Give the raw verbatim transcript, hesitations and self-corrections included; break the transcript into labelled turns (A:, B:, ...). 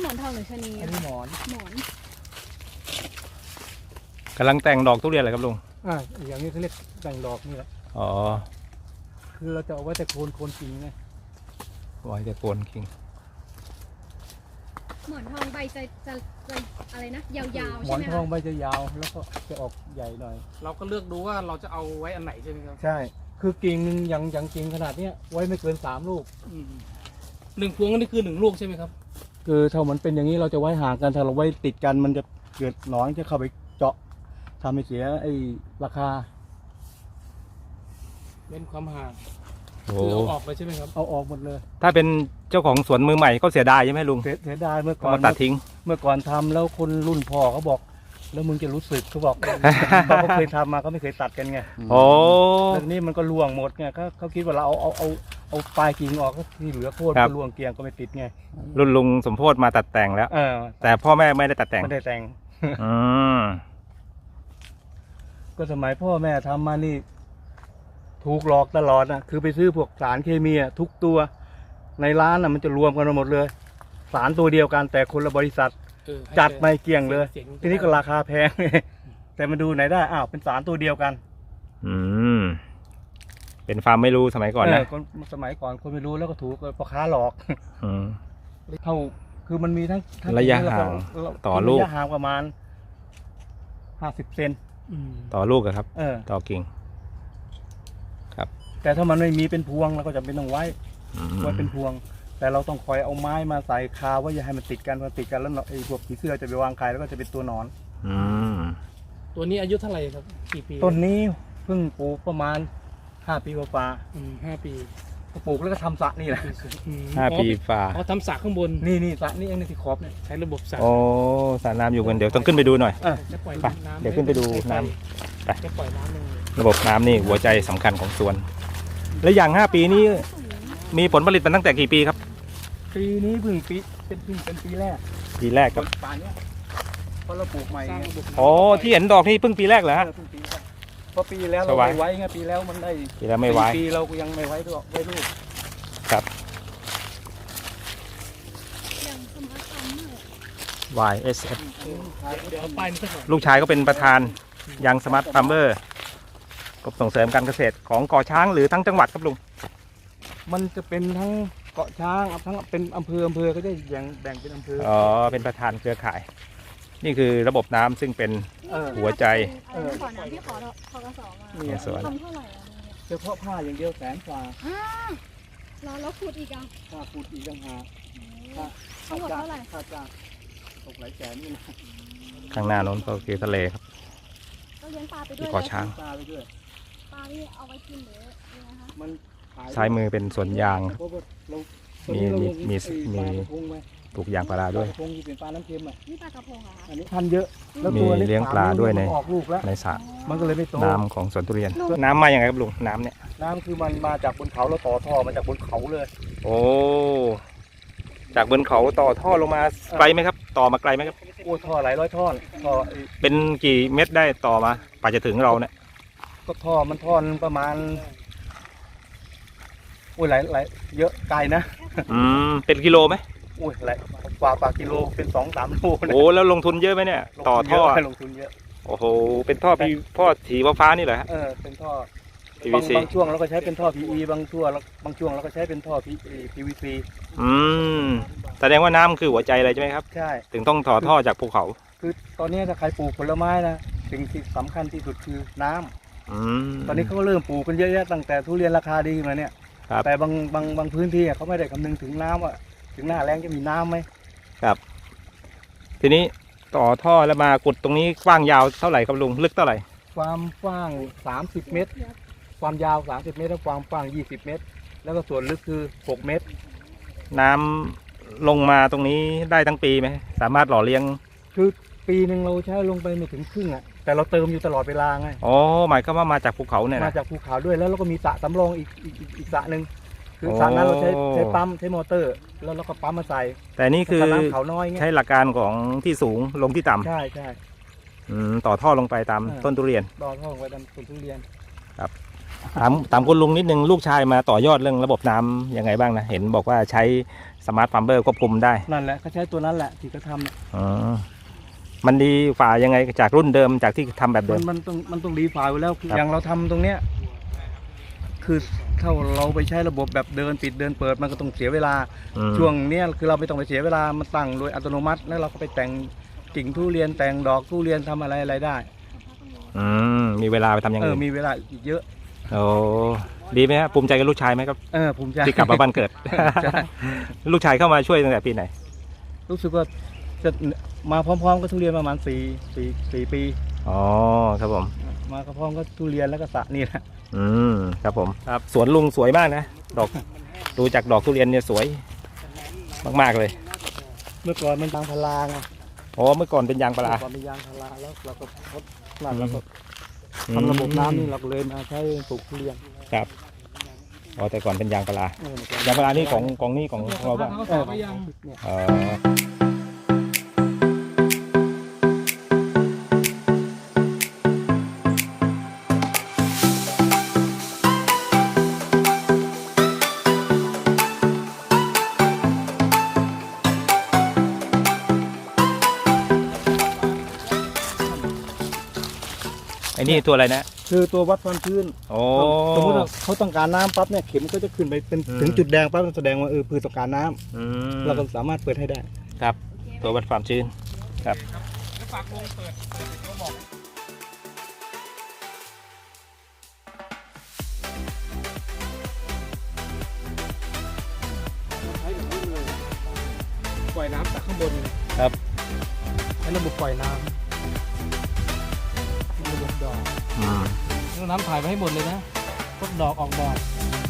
A: หมอนทองหรือชะนี
B: อันนี้หมอน
A: หมอน
C: กำลังแต่งดอกทุเรียนอะไรครับลุง
B: อ่าอย่างนี้เขาเรียกแต่งดอกนี่แหละ
C: อ๋อ
B: คือเราจะเอาไว้แต่โคนโคนจริงไง
C: ไว้แต่โคนคิง
A: หมอนทองใบจะจะจะอะไรนะยาวๆ
B: หม
A: ใช่
B: อน
A: ไหม
B: ทองใบจะยาวแล้วก็จะออกใหญ่หน่อย
D: เราก็เลือกดูว่าเราจะเอาไว้อันไหนใช่ไหมครับ
B: ใช่คือกิ่งหนึ่งอย่างอย่างกิ่งขนาดเนี้ยไว้ไม่เกินสามลูก
D: หนึ่งพวงนี่คือหนึ่งลูกใช่ไหมครับ
B: คือถ้ามันเป็นอย่างนี้เราจะไว้ห่างกันถ้าเราไว้ติดกันมันจะเกิดหนอนจะเข้าไปเจาะทำให้เสียไอ้ราคา
D: เว้นความห่าง
C: โอ้
D: คือเอาออกเลยใช่ไหมครับ
B: เอาออกหมดเลย
C: ถ้าเป็นเจ้าของสวนมือใหม่ก็เสียดายใช่ไหมลุง
B: เสียเสียดายเมื่อก่อน
C: มาตัดทิ้ง
B: เมื่อก่อนทำแล้วคนรุ่นพ่อเขาบอกแล้วมึงจะรู้สึกเขาบอก เขาเคยทำมาเขาไม่เคยตัดกันไง
C: โอ้
B: เรื่องนี้มันก็ล่วงหมดไงเขาเขาคิดว่าเราเอาเอาเอาเอาปลายกิ่งออกก็ที่เหลือโค่นก็ล่วงเกลียงก็ไม่ติดไง
C: รุ่นลุงสมโพธิมาตัดแต่งแล้ว
B: เออ
C: แต่พ่อแม่ไม่ได้ตัดแต่ง
B: ไม่ได้แต่ง
C: อืม
B: ก็สมัยพ่อแม่ทำมานี่ถูกหลอกตลอดนะคือไปซื้อพวกสารเคมีทุกตัวในร้านน่ะมันจะรวมกันหมดเลยสารตัวเดียวกันแต่คนละบริษัทจัดไม่เกี่ยงเลยทีนี้ก็ราคาแพงแต่มาดูไหนได้อ้าวเป็นสารตัวเดียวกัน
C: อืมเป็นฟาร์มไม่รู้สมัยก่อนนะ
B: คนสมัยก่อนคนไม่รู้แล้วก็ถูกพ่อค้าหลอก
C: อืม
B: เท่าคือมันมีทั้ง
C: ระยะห่างต่อลูก
B: ระยะห่างประมาณห้าสิบเซน
C: ต่อลูกครับ
B: เออ
C: ต่อกิ่งครับ
B: แต่ถ้ามันไม่มีเป็นพวงเราก็จะเป็นต้องไว้ไว้เป็นพวงแต่เราต้องคอยเอาไม้มาใส่คาว่าอย่าให้มันติดกันพอติดกันแล้วไอ้พวกผีเสื้อจะไปวางไข่แล้วก็จะเป็นตัวหนอน
C: อืม
D: ตัวนี้อายุเท่าไหร่ครับกี่ปี
B: ต้นนี้เพิ่งปลูกประมาณห้าปีกว่า
D: ห้าปี
B: ปลูกแล้วก็ทำสระนี่แหละ
C: ห้าปีฝ่า
D: อ๋อทำสระข้างบน
B: นี่นี่สระนี่เองนี่ที่ขอบเนี่ย
D: ใช้ระบบสระ
C: โอ้สระน้ำอยู่กันเดี๋ยวต้องขึ้นไปดูหน่อย
D: ไป
C: เดี๋ยวขึ้นไปดูน้ำไป
D: ปล่อยน้ำลง
C: ระบบน้ำนี่หัวใจสำคัญของสวนและอย่างห้าปีนี้มีผลผลิตมาตั้งแต่กี่ปีครับ
B: ปีนี้เพิ่งปีเป็นเพิ่งเป็นปีแรก
C: ปีแรกครับ
B: ป่านนี้เพราะเราปลูกใหม่
C: อ๋อที่เห็นดอกนี่เพิ่งปีแรกเหรอฮะ
B: เพราะปีแล้วเราไม่ไว้ไงปีแล้วมันได้
C: ปีแล้วไม่ไว้
B: ปีเรายังไม่ไว้ด้วยไว้ลูก
C: ครับวาย เอส เอฟ ลูกชายก็เป็นประธานยังสมาร์ทฟาร์มเมอร์กรมส่งเสริมการเกษตรของเกาะช้างหรือทั้งจังหวัดครับลุง
B: มันจะเป็นทั้งเกาะช้างทั้งเป็นอำเภออำเภอก็จะแบ่งแบ่งเป็นอำเภอ
C: อ๋อเป็นประธานเครือข่ายนี่คือระบบน้ำซึ่งเป็นหัวใจ
A: ขอน้ำที่ขอขอกระสอบมา
C: สวน
A: ทำเท่าไหร่
B: เฉพาะผ้าอย่างเดียวแสนกว่า
A: แล้วแล้วขุดอีกอ่ะ
B: ค่าขุดอีกต่างหาก
A: ทั้งหมดเท่าไหร่
B: ค่าจ้างตกหลายแสนนี่นะ
C: ข้างหน้าโน้นก็คือทะเลครับ
A: ก็เลี้ยงปลาไปด้วย
C: เกาะช้าง
B: ปลาไปด้วย
A: ปลาที่เอาไว้กินหรือยังไงคะ
B: มัน
C: ซ้ายมือเป็นสวนยางมีมีมีมีปลูกยางพาราด้วย
B: ปลากระพงที่เป็นปลาน้ำเค็มอ่ะ
A: นี่ปลากระพงเหรอคะ
B: อันนี้พันเยอะ
C: มีเลี้ยงปลาด้วยในในสระ
B: มันก็เลยไม่โต
C: น้ำของสวนทุเรียนน้ำมาอย่างไรครับลุงน้ำเนี่ย
B: น้ำคือมันมาจากบนเขาแล้วต่อท่อมาจากบนเขาเลย
C: โอ้จากบนเขาต่อท่อลงมาไกลไหมครับต่อมาไกลไหมครับ
B: โอ้ท่อหลายร้อยท่อนท่อ
C: เป็นกี่เม็ดได้ต่อมาป่าจะถึงเราเนี่ย
B: ก็ท่อมันท่อนประมาณโอ้ยหลายหลายเยอะไกลนะ
C: อืมเป็นกิโลไหม
B: โอ้ยหลายกว่าปากกิโลเป็นสองสามโล
C: โอ้แล้วลงทุนเยอะไหมเนี่ยต่อท่อ
B: ลงทุนเยอะ
C: โอ้โหเป็นท่อพีท่อสีฟ้านี่เหรอฮะ
B: เออเป็นท่อ บางบางช่วงเราก็ใช้เป็นท่อ พี อี บางช่วงบางช่วงเราก็ใช้เป็นท่อ พี วี ซี
C: อืมแสดงว่าน้ำคือหัวใจเลยใช่ไหมครับ
B: ใช่
C: ถึงต้องต่อท่อจากภูเขา
B: คือตอนนี้ถ้าใครปลูกผลไม้นะสิ่งที่สำคัญที่สุดคือน้ำ
C: อืม
B: ตอนนี้เขาก็เริ่มปลูกกันเยอะแยะตั้งแต่ทุเรียนราคาดีมาเนี่ยแต่บางบางบางพื้นที่เขาไม่ได้คำนึงถึงน้ำว่าถึงหน้าแล้งจะมีน้ำไหม
C: ครับทีนี้ต่อท่อแล้วมาขุดตรงนี้กว้างยาวเท่าไหร่ครับลุงลึกเท่าไหร่
B: ความกว้างสามสิบเมตรความยาวสามสิบเมตรและความกว้างยี่สิบเมตรแล้วก็ส่วนลึกคือหกเมตร
C: น้ำลงมาตรงนี้ได้ทั้งปีไหมสามารถหล่อเลี้ยง
B: คือปีหนึ่งเราใช้ลงไปไม่ถึงครึ่งอ่ะแต่เราเติมอยู่ตลอดเวลาไง
C: อ๋อหมายความว่ามาจากภูเขาเนี่ยนะ
B: มาจากภูเขาด้วยแล้วเราก็มีสระสำรองอีกอีกอีกสระหนึ่งคือสระนั้นเราใช้ใช้ปั๊มใช้มอเตอร์แล้วเราก็ปั๊มมาใส่
C: แต่นี่คือใช้หลักการของที่สูงลงที่ต่ำ
B: ใช่ใช่
C: ต่อท่อลงไปตามต้นทุเรียน
B: ต่อท่อลงไปตามต้นทุเรียน
C: ครับถามถามคุณลุงนิดนึงลูกชายมาต่อยอดเรื่องระบบน้ำยังไงบ้างนะเห็นบอกว่าใช้สมาร์ทฟาร์มเบอร์ควบคุมได้
B: นั่นแหละเขาใช้ตัวนั้นแหละที่เขาทำเนี่ย
C: อ๋อมันดีฝ่ายังไงจากรุ่นเดิมจากที่ทำแบบเดิ
B: มัน
C: ม
B: มันต้องมันต้องรีไฟล์ไว้แล้วคือ
C: ครับ
B: อย่างเราทำตรงเนี้ยคือถ้าเราไปใช้ระบบแบบเดินปิดเดินเปิดมันก็ต้องเสียเวลา
C: อืม
B: ช่วงเนี้ยคือเราไม่ต้องไปเสียเวลามันตั้งโดยอัตโนมัติแล้วเราก็ไปแต่งกิ่งทุเรียนแต่งดอกทุเรียนทำอะไรอะไรได้
C: อืมมีเวลาไปทำอย่าง
B: เออ
C: อื่น
B: มีเวลาอีกเยอะ
C: โอ้ดีไหมครับภูมิใจกับลูกชายไหมครับ
B: เออภูมิใจ
C: ที่กลับมาบ้านเกิด
B: ใช่
C: ลูกชายเข้ามาช่วยตั้งแต่ปีไหน
B: รู้สึกว่าจะมาพร้อมๆกับทุเรียนประมาณสี่สี่สี่ปี
C: อ๋อครับผม
B: มาพร้อมกับทุเรียนแล้วก็สระนี่แหละ
C: อืมครับผมครับสวนลุงสวยมากนะดอกดูจากดอกทุเรียนเนี่ยสวยมากๆเลย
B: เมื่อก่อนมันยางพาราไง
C: อ๋อเมื่อก่อนเป็นยางพารา
B: เมื่อก่อนเป็นยางพาราแล้วเราก็ทดหลังเราก็ทำระบบน้ำนี่เราก็เลยมาใช้ปลูกทุเรียน
C: ครับอ๋อแต่ก่อนเป็นยางพารา
B: เออเมื่อก่อน
C: ยางพารานี่ของของนี่ของของเราบ้าง
D: เขาสอบไปยัง
B: เนี่ย
C: อ๋อไอ้นี่ตัวอะไรนะ
B: คือตัววัดความชื้น
C: โอ้
B: สมมติว่าเขาต้องการน้ำปั๊บเนี่ยเข็มก็จะขึ้นไปเป็น
C: อืม
B: ถึงจุดแดงปั๊บแสดงว่าเออพืชต้องการน้ำ
C: อืม
B: เราก็สามารถเปิดให้ได้
C: ครับตัววัดความชื้นครับ
D: ปล่อยน้ำจากข้างบน
C: ครับ
D: ใช้ระบบปล่อยน้ำระบบดอก
C: อืม
D: น้ำถ่ายไปให้หมดเลยนะพวกดอกออกดอก